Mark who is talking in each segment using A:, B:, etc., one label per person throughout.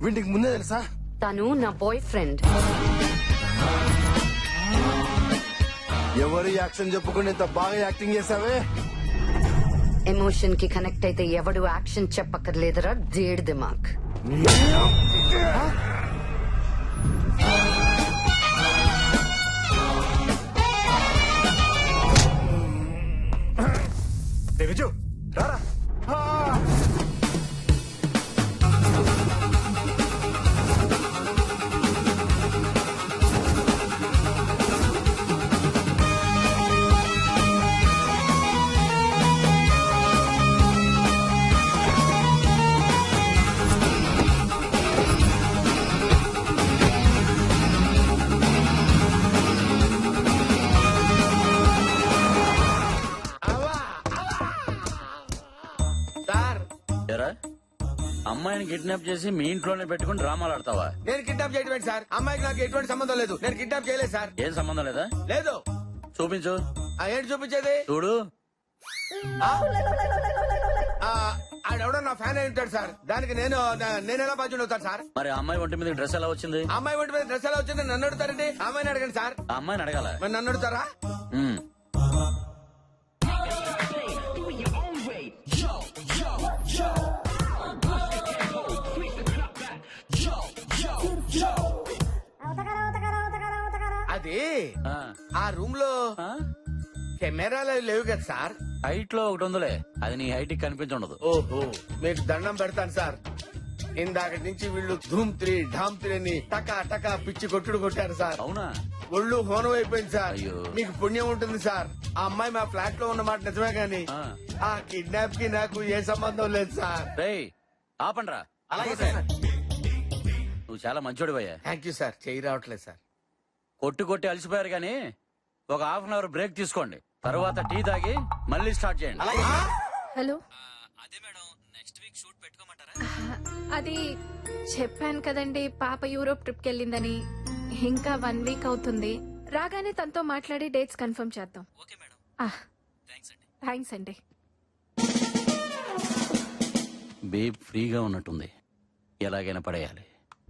A: వీటికి ముందే తెలుసా?
B: తను నా బాయ్ ఫ్రెండ్.
A: ఎవరు యాక్షన్ చెప్పుకుని ఇంత బాగా యాక్టింగ్ చేసావే?
B: ఎమోషన్ కి కనెక్ట్ అయితే ఎవడు యాక్షన్ చెప్పక్కర్లేదురా దేడ్ దిమాక్.
C: విజు రారా.
D: అమ్మాయిని కిడ్నాప్ చేసి మీ ఇంట్లోనే పెట్టుకుని డ్రామాలు ఆడతావా?
E: నేను కిడ్నాప్ చేయడం సార్. అమ్మాయికి నాకు ఎటువంటి సంబంధం లేదు. నేను కిడ్నాప్ చేయలేదు సార్.
D: ఏం సంబంధం లేదా?
E: లేదు.
D: చూపించు.
E: ఏంటి చూపించేది?
D: చూడు.
E: ఆడెవడో నా ఫ్యాన్ అయి ఉంటాడు సార్. దానికి నేను ఎలా బాధ్యుడు అవుతాను సార్?
D: మరి ఆ అమ్మాయి ఒంటి మీద డ్రెస్ ఎలా వచ్చింది?
E: అమ్మాయి ఒంటి మీద డ్రెస్ ఎలా వచ్చింది నన్ను అడుగుతారండి? అమ్మాయిని అడగండి సార్.
D: ఆ అమ్మాయిని అడగాల.
E: మరి నన్ను అడుగుతారా? అది ఆ రూమ్ లో కెమెరాలు లేవు కదా సార్.
D: హైట్ లో ఒకటి ఉందిలే, అది నీ హైట్ కి కనిపించుండదు.
E: ఓహో, మీకు దండం పెడతాను సార్. ఇందాక నుంచి వీళ్ళు ధూమ్ 3 ఢామ్ 3 అని టకా టకా పిచ్చి కొట్టుడు కొట్టారు సార్.
D: అవునా?
E: ఒళ్ళు హోనం అయిపోయింది సార్.
D: అయ్యో.
E: మీకు పుణ్యం ఉంటుంది సార్. ఆ అమ్మాయి మా ఫ్లాట్ లో ఉన్నమాట నిజమే గాని ఆ కిడ్నాప్ కి నాకు ఏ సంబంధం లేదు సార్.
D: రేయ్ ఆపండ్రా.
E: అలాగే సార్.
D: నువ్వు చాలా మంచోడివయ్యా.
E: Thank you sir. చేయి రావట్లేదు సార్.
D: కొట్టి కొట్టి అలసిపోయారు గానీ ఒక హాఫ్ అన్ అవర్ బ్రేక్ తీసుకోండి. తర్వాత టీ తాగి మళ్ళీ స్టార్ట్ చేయండి.
F: హలో.
D: అదే మేడం, నెక్స్ట్ వీక్ షూట్ పెట్టుకోమంటారా?
F: అది చెప్పాను కదండి, పాప యూరోప్ ట్రిప్ కి వెళ్ళిందని. ఇంకా 1 వీక్ అవుతుంది. రాగానే తనతో మాట్లాడి డేట్స్ కన్ఫర్మ్ చేద్దాం.
D: Okay madam.
F: థ్యాంక్స్ అండి.
D: బేబ్ ఫ్రీగా ఉన్నట్టుంది, ఎలాగైనా పడేయాలి.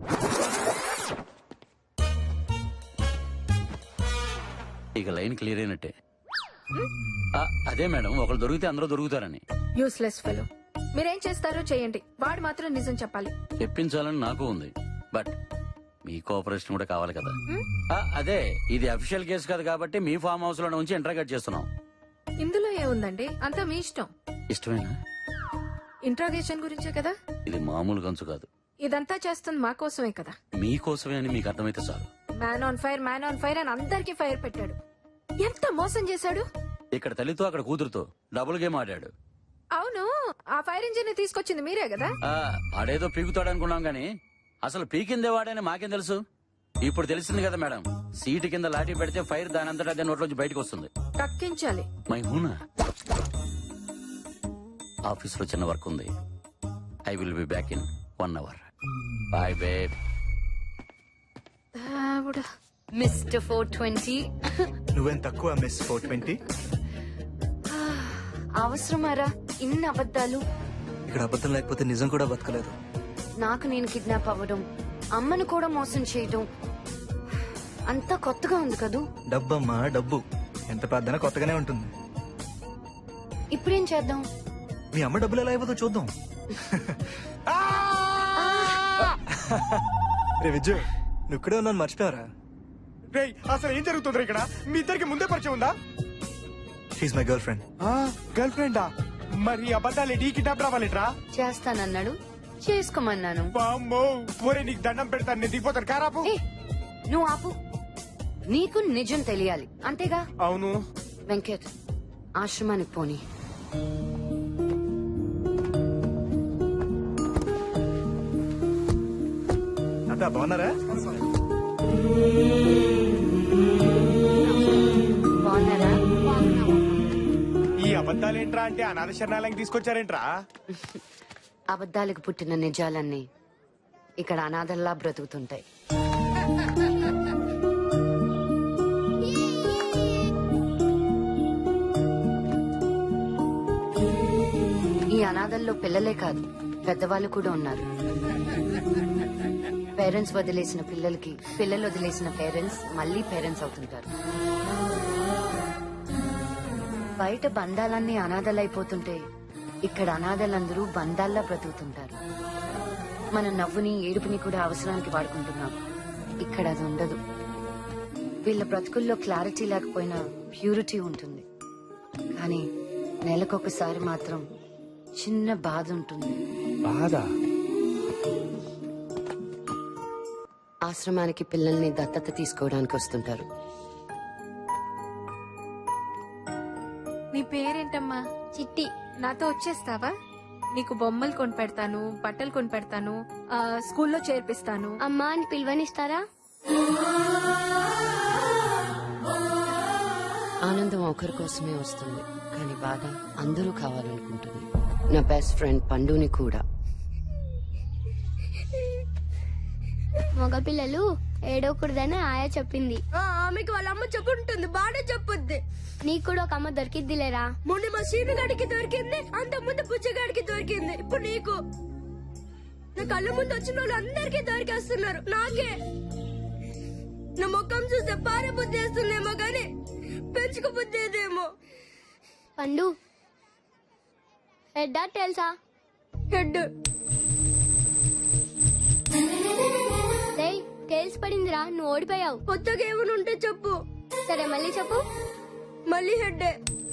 D: ఇక లైన్ క్లియర్ అయినట్టే. అదే మేడం, ఒకరు దొరికితే అందరూ దొరుకుతారని.
F: Useless fellow. మీరేం చేస్తారో చేయండి, వాడు మాత్రం నిజం చెప్పాలి.
D: చెప్పించాలని నాకు ఉంది, బట్ మీ కోఆపరేషన్ కూడా కావాలి కదా. అదే, ఇది అఫీషియల్ కేసు కాదు కాబట్టి మీ ఫామ్ హౌస్ లో ఉంచి ఇంటరాగేట్ చేస్తున్నాం.
F: ఇందులో ఏముందండి, అంతా మీ ఇష్టం.
D: ఇష్టమేనా?
F: ఇంట్రాగేషన్ గురించే కదా.
D: ఇది మామూలు గంచు కాదు.
F: ఇదంతా చేస్తుంది మా కోసమే కదా.
D: మీకోసమే అని మీకు అర్థమైతే చాలు.
F: మ్యాన్ ఆన్ ఫైర్ అని అందరికీ ఫైర్ పెట్టాడు. ఎంత మోసం చేశాడు.
D: ఇక్కడ తల్లితో అక్కడ కూతురుతో డబుల్ గేమ్ ఆడాడు.
F: అవును, ఆ ఫైర్ ఇంజిన్ ని తీసుకొచ్చింది మీరే కదా.
D: ఆడేదో పీకుతాడు అనుకున్నాం గానీ అసలు పీకిందే వాడని మాకేం తెలుసు. ఇప్పుడు తెలిసింది కదా మేడం, సీటు కింద లాఠీ పెడితే ఫైర్ దానంతటా అదే నోట్లోంచి బయటకు వస్తుంది.
F: కక్కించాలి.
D: మై హూనా. ఆఫీస్ లో చిన్న వర్క్ ఉంది. I will be back in 1 hour. Bye babe.
B: Mister 420.
C: నువ్వేం తక్కువ మిస్ 420.
B: అవసరమారా ఇన్ని అబద్ధాలు?
G: ఇక్కడ అబద్ధం లేకపోతే నిజం కూడా బతకలేదు.
B: నాకు నేను కిడ్నాప్ అవ్వడం, అమ్మను కూడా మోసం చేయడం అంతా కొత్తగా ఉంది కదూ.
G: డబ్బమ్మా డబ్బు, ఎంత పెద్దనా కొత్తగానే ఉంటుంది.
B: ఇప్పుడేం చేద్దాం?
G: మీ అమ్మ డబ్బులు ఎలా అయిపోతుందో చూద్దాం. రే విజయ్, నువ్వు ఇక్కడే ఉన్నాను మర్చిపోయారా?
C: అసలు ఏం జరుగుతుంది ఇక్కడ? మీ ఇద్దరికి ముందే పరిచయం ఉందా?
G: She's my girlfriend.
C: గర్ల్ ఫ్రెండా? మరి అబద్ధాలు టీ కిడ్నాప్ రావాలిట్రా?
B: చేస్తానన్నాడు, చేసుకోమన్నాను.
C: ఒరే నీకు దండం పెడతాను, నేను దిగిపోతాను. కారాపు.
B: నువ్వు ఆపు, నీకు నిజం తెలియాలి అంతేగా.
C: అవును.
B: వెంకట్, ఆశ్రమానికి పోనీ.
G: అంతా బాగున్నారా?
B: బాగున్నారా?
C: ఈ అబద్ధాలేంట్రా అంటే అనాథ శరణాలయం తీసుకొచ్చారేంట్రా?
B: అబద్ధాలకు పుట్టిన నిజాలన్నీ ఇక్కడ అనాథల్లా బ్రతుకుతుంటాయి. ఈ అనాథల్లో పిల్లలే కాదు, పెద్దవాళ్ళు కూడా ఉన్నారు. పేరెంట్స్ వదిలేసిన పిల్లలకి పిల్లలు వదిలేసిన పేరెంట్స్ మళ్ళీ పేరెంట్స్ అవుతుంటారు. బయట బంధాలన్నీ అనాథలైపోతుంటే ఇక్కడ అనాథలందరూ బంధాల్లా బ్రతుకుతుంటారు. మన నవ్వుని ఏడుపుని కూడా అవసరానికి వాడుకుంటున్నాం. ఇక్కడ అది ఉండదు. వీళ్ళ బ్రతుకుల్లో క్లారిటీ లేకపోయినా ప్యూరిటీ ఉంటుంది. కానీ నెలకొకసారి మాత్రం చిన్న బాధ ఉంటుంది.
C: బాధ?
B: ఆశ్రమానికి పిల్లల్ని దత్తత తీసుకోవడానికి వస్తుంటారు.
F: నీ పేరేంటమ్మా? చిట్టి. నాతో వచ్చేస్తావా? నీకు బొమ్మలు కొని పెడతాను, బట్టలు కొని పెడతాను, స్కూల్లో చేర్పిస్తాను.
H: అమ్మా అని పిలువనిస్తారా?
B: ఆనందం ఒకరి కోసమే వస్తుంది, కానీ బాధ అందరూ కావాలనుకుంటుంది. నా బెస్ట్ ఫ్రెండ్ పండుని కూడా.
H: మగపిల్లలు ఏడవకూడదని ఆయా చెప్పింది.
I: ఆమెకి వాళ్ళ అమ్మ చెప్పుంటుంది, బాగా చెప్పుద్ది.
H: నీకు కూడా ఒక అమ్మ దొరికిద్దిలేరా?
I: మొన్న మా సీనుగాడికి దొరికింది, అంత ముందు పుచ్చగాడికి దొరికింది, ఇప్పుడు నీకు. నా కళ్ళ ముందు వచ్చిన వాళ్ళు అందరికీ దొరికేస్తున్నారు, నాకే. నా ముఖం చూస్తే పారే బుద్ధి వేస్తుందేమో గాని పెంచుకు బుద్ధి ఏదేమో.
H: పండు హెడ్ తెలుసా?
I: హెడ్.
H: టేల్స్ పడిందిరా, నువ్వు ఓడిపోయావు.
I: కొత్తగా ఏమైనా ఉంటే చెప్పు.
H: సరే మళ్ళీ చెప్పు.
I: మళ్ళీ హెడ్.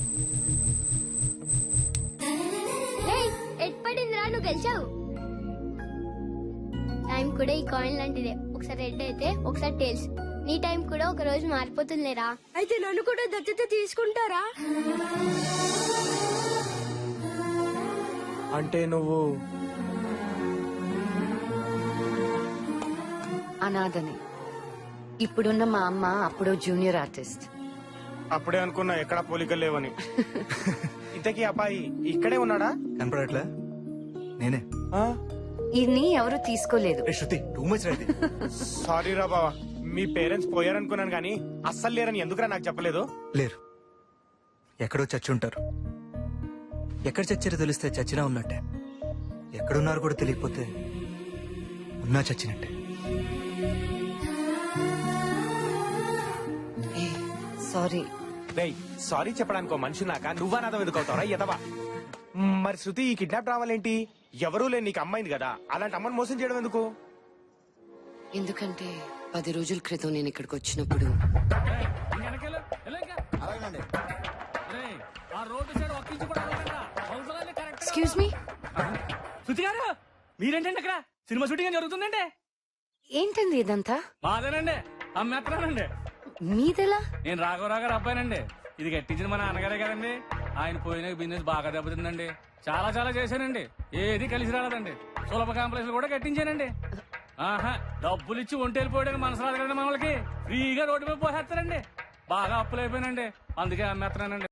H: హెడ్ పడిందిరా, నువ్వు గెలిచావు. టైం కూడా ఈ కాయిన్ లాంటిదే, ఒకసారి హెడ్ అయితే ఒకసారి టేల్స్. నీ టైం కూడా ఒక రోజు మారిపోతుందిలేరా.
I: అయితే నన్ను కూడా దత్తత తీసుకుంటారా?
C: అంటే నువ్వు
B: అనాథని. ఇప్పుడున్న మా అమ్మ అప్పుడో జూనియర్ ఆర్టిస్ట్.
C: అప్పుడే అనుకున్నా ఎక్కడా పోలికలు లేవని. ఇంతకీ అబ్బాయి ఇక్కడే ఉన్నాడా?
G: కనపడట్లే? నేనే.
C: ఆ?
B: ఈయన్ని ఎవరు తీసుకోలేదు.
G: ఏ శృతి, టూ మచ్ రైతే.
C: సారీ రా బావా, మీ పేరెంట్స్ పోయారనుకున్నాను కానీ అస్సలు లేరని ఎందుకురా నాకు చెప్పలేదు?
G: లేరు, ఎక్కడో చచ్చి ఉంటారు. ఎక్కడ చచ్చారో తెలిస్తే చచ్చినా ఉన్నట్టే, ఎక్కడున్నారు కూడా తెలియకపోతే ఉన్నా చచ్చినట్టే.
B: సారీ.
C: రేయ్, సారీ చెప్పడానికి మనిషి నాక నువ్వా నాదం ఎందుకు అవుతావరా ఎదవా? మరి శృతి ఈ కిడ్నాప్ రావాలేంటి? ఎవరూ లేని నీకు అమ్మాయింది కదా, అలాంటి అమ్మని మోసం చేయడం ఎందుకు?
B: ఎందుకంటే 10 రోజుల క్రితం నేను ఇక్కడికి వచ్చినప్పుడు ఎక్స్క్యూజ్ మీ.
J: శృతి గారు, మీరేంటండి అక్కడ? సినిమా షూటింగ్ జరుగుతుందండి.
B: ఏంటండి ఇదంతా?
J: మాదేనండి, అమ్మేస్తున్నానండి.
B: మీదెలా?
J: నేను రాఘవరావు గారు అబ్బాయినండి. ఇది కట్టించిన మా నాన్నగారే కదండి. ఆయన పోయిన బిజినెస్ బాగా దెబ్బతిందండి. చాలా చాలా చేశానండి, ఏది కలిసి రాలేదండి. సులభ కాంప్లెక్స్ కూడా కట్టించానండి. ఆహా, డబ్బులు ఇచ్చి ఒంటి వెళ్ళిపోయడానికి మనసు రాదు కదండి మనకి. ఫ్రీగా రోడ్డు మీద పోసేస్తారండి. బాగా అప్పులు అయిపోయినండి, అందుకే అమ్మేస్తున్నానండి.